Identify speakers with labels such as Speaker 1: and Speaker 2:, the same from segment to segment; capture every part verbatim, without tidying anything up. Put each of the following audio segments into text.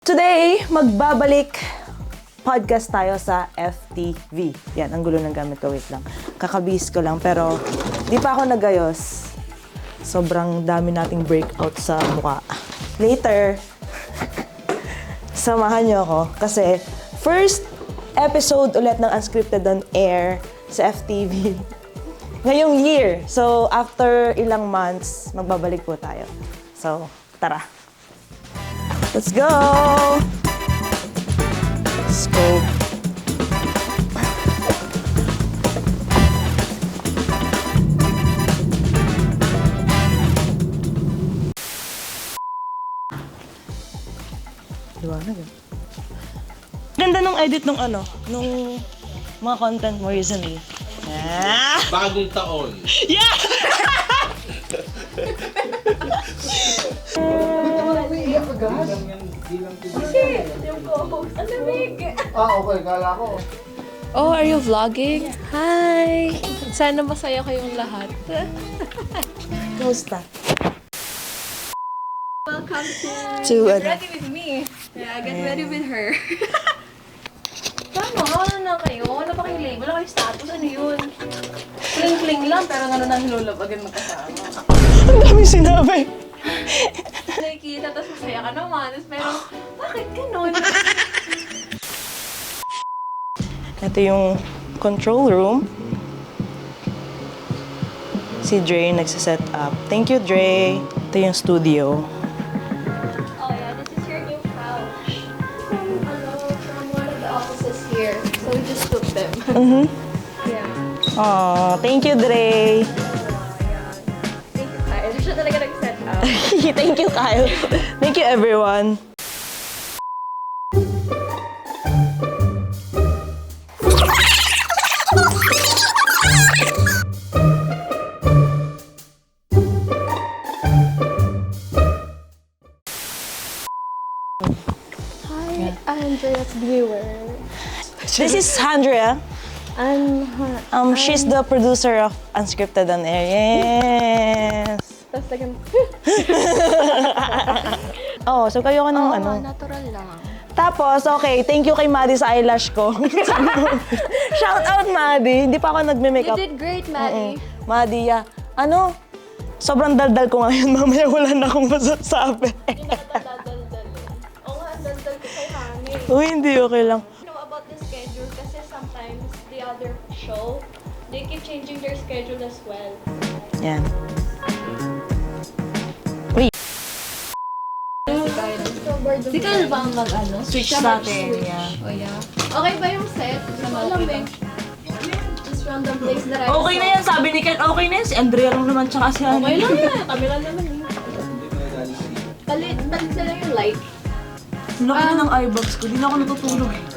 Speaker 1: Today, magbabalik podcast tayo sa F T V. Yan, ang gulo ng gamit ko. Wait lang. Kakabihis ko lang, pero di pa ako nagayos. Sobrang dami nating breakout sa mukha. Later, samahan niyo ako kasi first episode ulit ng Unscripted on Air sa F T V ngayong year. So, after ilang months, magbabalik po tayo. So, tara. Let's go! Let's go. Liwanag eh. Ganda nung edit nung ano, nung mga content mo recently. Ah!
Speaker 2: Bagong taon.
Speaker 1: Yeah!
Speaker 3: Kasi, yung co-host, ang lamig.
Speaker 2: Ah, okay. Kala ko.
Speaker 3: Oh, are you vlogging? Hi! Sana masaya kayong lahat.
Speaker 1: Kamusta?
Speaker 3: Welcome to...
Speaker 1: To ano?
Speaker 3: Ready with me. Yeah, get ready with her. Tama, ano na kayo? Wala pa kayong label? Wala kayong status? Ano yun? Kling-kling lang, pero ano nang hilulabagan magkasama.
Speaker 1: Ang dami sinabi.
Speaker 3: Nakikita, tapos masaya ka naman. Tapos meron, bakit ganun?
Speaker 1: Ito yung control room. Si Dre nagsaset up. Thank you, Dre. Ito yung studio.
Speaker 3: Oh yeah, this is your new couch. From, ano, from one of the offices here. So we just took them.
Speaker 1: Mm-hmm.
Speaker 3: Yeah.
Speaker 1: Aw, thank you, Dre.
Speaker 3: Thank you, Kyle. Hindi siya talaga nag-set up.
Speaker 1: Thank you, Kyle. Thank you, everyone.
Speaker 3: Hi, Andrea's viewer.
Speaker 1: This is Andrea.
Speaker 3: I'm,
Speaker 1: Um, she's the producer of Unscripted on Air. Yes.
Speaker 3: tapos like,
Speaker 1: Oh, so kayo ka ng
Speaker 3: oh,
Speaker 1: ano.
Speaker 3: natural lang.
Speaker 1: Tapos, okay, thank you kay Maddie sa eyelash ko. Shout out, Maddie. Hindi pa ako
Speaker 3: You
Speaker 1: nagme-makeup.
Speaker 3: did great, Maddie.
Speaker 1: Maddie, yeah. Ano? Sobrang daldal ko ngayon. Mamaya wala na akong masasabi.
Speaker 3: Hindi na kita dadaldal eh. Oo nga, ang daldal ko kay Hami.
Speaker 1: Uy, hindi. Okay lang.
Speaker 3: You know about the schedule kasi sometimes the other show, they keep changing their schedule as well.
Speaker 1: Yan. Uy.
Speaker 3: Di ka ba ang mag-ano?
Speaker 1: Switch natin. Yeah.
Speaker 3: Oh yeah. Okay ba yung set? Sa alam eh. Just random place that I
Speaker 1: Okay na yan. Sabi ni Ken, okay na yan. Si Andrea lang naman tsaka si Hani.
Speaker 3: Okay lang yan. Kami lang naman eh. Palit, palit na lang yung light.
Speaker 1: Laki na ng eye bags ko. Di na ako natutulog eh.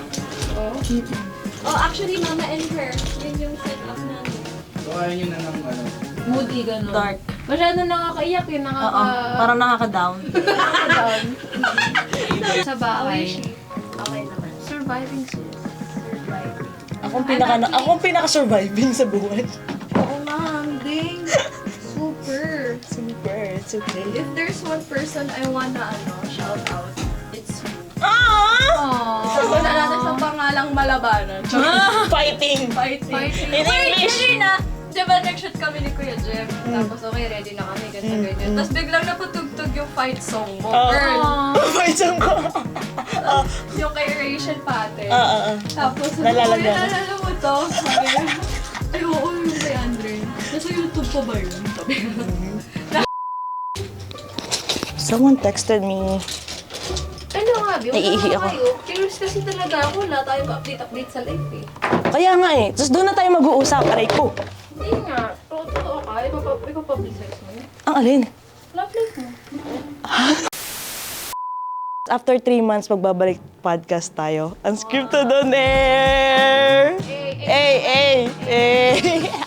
Speaker 3: Oh, actually, Mama and Her. Yun yung setup namin.
Speaker 2: So, ayaw nyo na ng ano.
Speaker 3: Moody, gano'n.
Speaker 1: Dark.
Speaker 3: Masyado nakakaiyak eh. Nakaka...
Speaker 1: Oo. Parang nakaka-down.
Speaker 3: down. Sa bahay. Okay naman. Surviving sis. Surviving.
Speaker 1: Akong pinaka akong pinaka-surviving sa buhay.
Speaker 3: Oo nga, ding. Super.
Speaker 1: Super. It's okay.
Speaker 3: If there's one person I wanna ano, shout out, it's you.
Speaker 1: Ah!
Speaker 3: Aww. Wala natin sa pangalang malabanan.
Speaker 1: Fighting.
Speaker 3: Fighting. Fighting.
Speaker 1: In
Speaker 3: Wait,
Speaker 1: English.
Speaker 3: hindi na. Diba nag-shoot kami ni Kuya Jeff? Tapos okay, ready na kami, ganyan, ganyan. Tapos biglang napatugtog yung fight song mo, girl.
Speaker 1: Fight song ko.
Speaker 3: Yung kay Rachel Pate.
Speaker 1: Ah, ah, ah.
Speaker 3: Tapos,
Speaker 1: Nalalaga.
Speaker 3: "Uy, nalala mo to?" Sabi ko, ay, oo, yung kay Andre. Nasa YouTube pa ba yun? Sabi ko.
Speaker 1: Someone texted me.
Speaker 3: Ano nga, Bi? Wala
Speaker 1: Naiihi
Speaker 3: nga
Speaker 1: ako.
Speaker 3: kayo. Curious kasi talaga ako. Wala tayo update-update sa life eh.
Speaker 1: Kaya nga eh. Tapos doon na tayo mag-uusap. Aray ko.
Speaker 3: Hindi nga. Totoo ka. Ipapa- Ipapublicize mo.
Speaker 1: Ang alin?
Speaker 3: Love life mo.
Speaker 1: After three months, magbabalik podcast tayo. Unscripted on Air! Hey, hey, hey!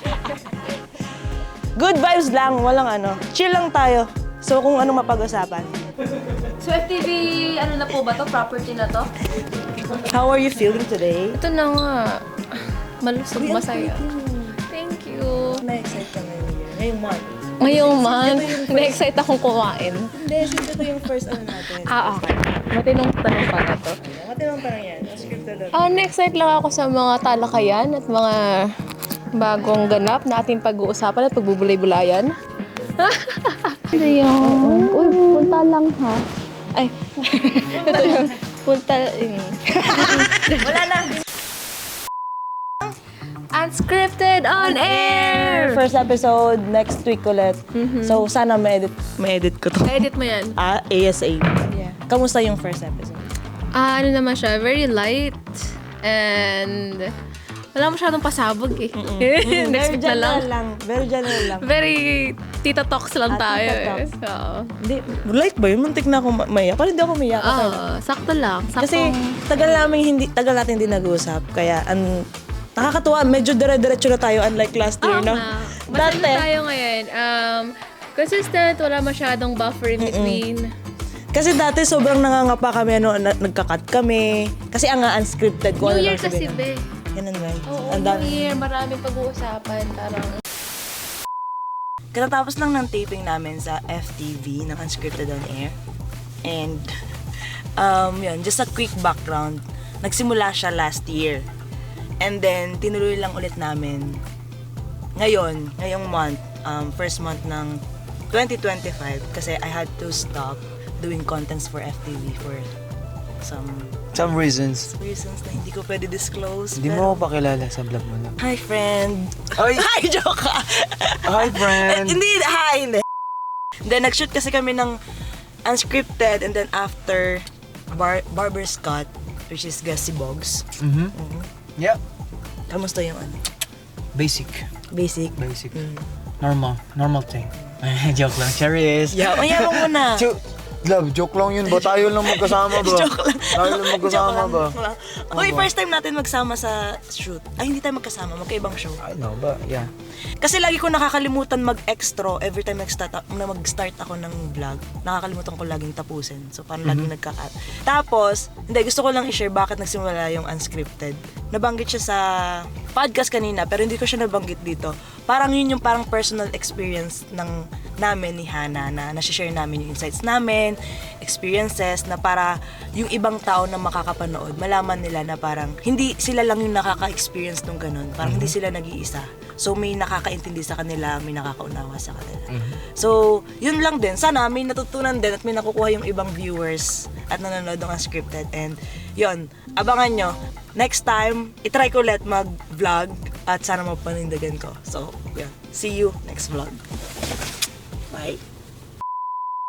Speaker 1: Good vibes lang. Walang ano. Chill lang tayo. So kung ano mapag-usapan.
Speaker 3: So F T V, ano na po ba to? Property na to?
Speaker 1: How are you feeling today?
Speaker 3: Ito na nga. Malusog, masaya. Thank you.
Speaker 1: Na-excite ka ngayon. Ngayong month.
Speaker 3: Ngayong month, na-excite akong kumain.
Speaker 1: Hindi, since ito yung first ano natin.
Speaker 3: Ah, okay.
Speaker 4: Matinong tanong para to.
Speaker 1: Matinong tanong yan. Unscripted on
Speaker 4: Ah, na-excite lang ako sa mga talakayan at mga bagong ganap na ating pag-uusapan at pagbubulay-bulayan. Ano yun? Uy, punta lang ha. Ay, ito yung punta.
Speaker 1: Wala na!
Speaker 4: Unscripted on air!
Speaker 1: First episode, next week ulit. So, sana ma-edit, ma-edit ko to.
Speaker 4: Edit mo yan.
Speaker 1: Ah, ASAP.
Speaker 4: Yeah.
Speaker 1: Kamusta yung first episode?
Speaker 4: Ah, ano naman siya, very light and wala masyadong pasabog eh.
Speaker 1: Very
Speaker 4: Next week na lang.
Speaker 1: general lang. Very general lang.
Speaker 4: Very tita talks lang
Speaker 1: Ah,
Speaker 4: tayo
Speaker 1: tita
Speaker 4: eh.
Speaker 1: talks.
Speaker 4: Oo.
Speaker 1: Hindi, light ba yun? Muntik na ako ma- maiyak. Parang hindi ako maiyak. Okay lang.
Speaker 4: Oo, sakto lang. Sakto.
Speaker 1: Kasi tagal namin hindi tagal natin hindi nag-uusap kaya an nakakatuwa medyo dire-diretso na tayo unlike last year
Speaker 4: Oo
Speaker 1: no.
Speaker 4: nga. Masaya
Speaker 1: Dati
Speaker 4: tayo ngayon. Um, consistent, wala masyadong buffer in between.
Speaker 1: kasi dati sobrang nangangapa kami ano na, nagka-cut kami kasi ang nga unscripted ko
Speaker 4: New
Speaker 1: ano
Speaker 4: Year
Speaker 1: lang
Speaker 4: kasi,
Speaker 1: sabihin.
Speaker 4: be.
Speaker 1: Ganun ba?
Speaker 4: Oo,
Speaker 1: Ang
Speaker 4: New
Speaker 1: dami.
Speaker 4: Year, maraming pag-uusapan. Parang,
Speaker 1: Katatapos lang ng taping namin sa F T V ng Unscripted on Air. And um yun, just a quick background. Nagsimula siya last year. And then tinuloy lang ulit namin ngayon, ngayong month, um, first month ng twenty twenty-five kasi I had to stop doing contents for F T V for some
Speaker 5: Some reasons.
Speaker 1: reasons na hindi ko pwede disclose.
Speaker 5: Hindi
Speaker 1: pero-
Speaker 5: mo ako pakilala sa vlog mo na.
Speaker 1: Hi, friend.
Speaker 5: Ay!
Speaker 1: Hi, joke ka.
Speaker 5: Hi, friend!
Speaker 1: Eh, hindi, hi, hindi. Then, nag-shoot kasi kami ng unscripted and then after Bar Barber Scott, which is Gussie Boggs.
Speaker 5: Mhm. Yeah.
Speaker 1: Kamusta yung ano?
Speaker 5: Basic.
Speaker 1: Basic?
Speaker 5: Basic.
Speaker 1: Mm.
Speaker 5: Normal. Normal thing. Joke lang. Serious.
Speaker 1: Yeah, mayabang mo na.
Speaker 5: Jo- Love, joke lang yun ba? Tayo lang magkasama ba?
Speaker 1: Joke lang.
Speaker 5: Tayo lang magkasama
Speaker 1: Joke
Speaker 5: ba?
Speaker 1: lang, joke lang. Uy, first time natin magsama sa shoot. Ay, hindi tayo magkasama. Magkaibang show.
Speaker 5: I know ba? Yeah.
Speaker 1: Kasi lagi ko nakakalimutan mag-extra every time mag-start, na mag-start ako ng vlog. Nakakalimutan ko laging tapusin. So, parang laging nagka-cut. Tapos, hindi, gusto ko lang i-share bakit nagsimula yung unscripted. Nabanggit siya sa podcast kanina, pero hindi ko siya nabanggit dito. Parang yun yung parang personal experience ng namin ni Hana na nasi-share namin yung insights namin, experiences na para yung ibang tao na makakapanood, malaman nila na parang hindi sila lang yung nakaka-experience nung ganun. Parang hindi sila nag-iisa. So may nakakaintindi sa kanila, may nakakaunawa sa kanila. So, yun lang din. Sana may natutunan din at may nakukuha yung ibang viewers at nanonood ng unscripted. And yun, abangan nyo. Next time, itry ko ulit mag-vlog at sana mapanindagan ko. So, yun. See you next vlog. Bye.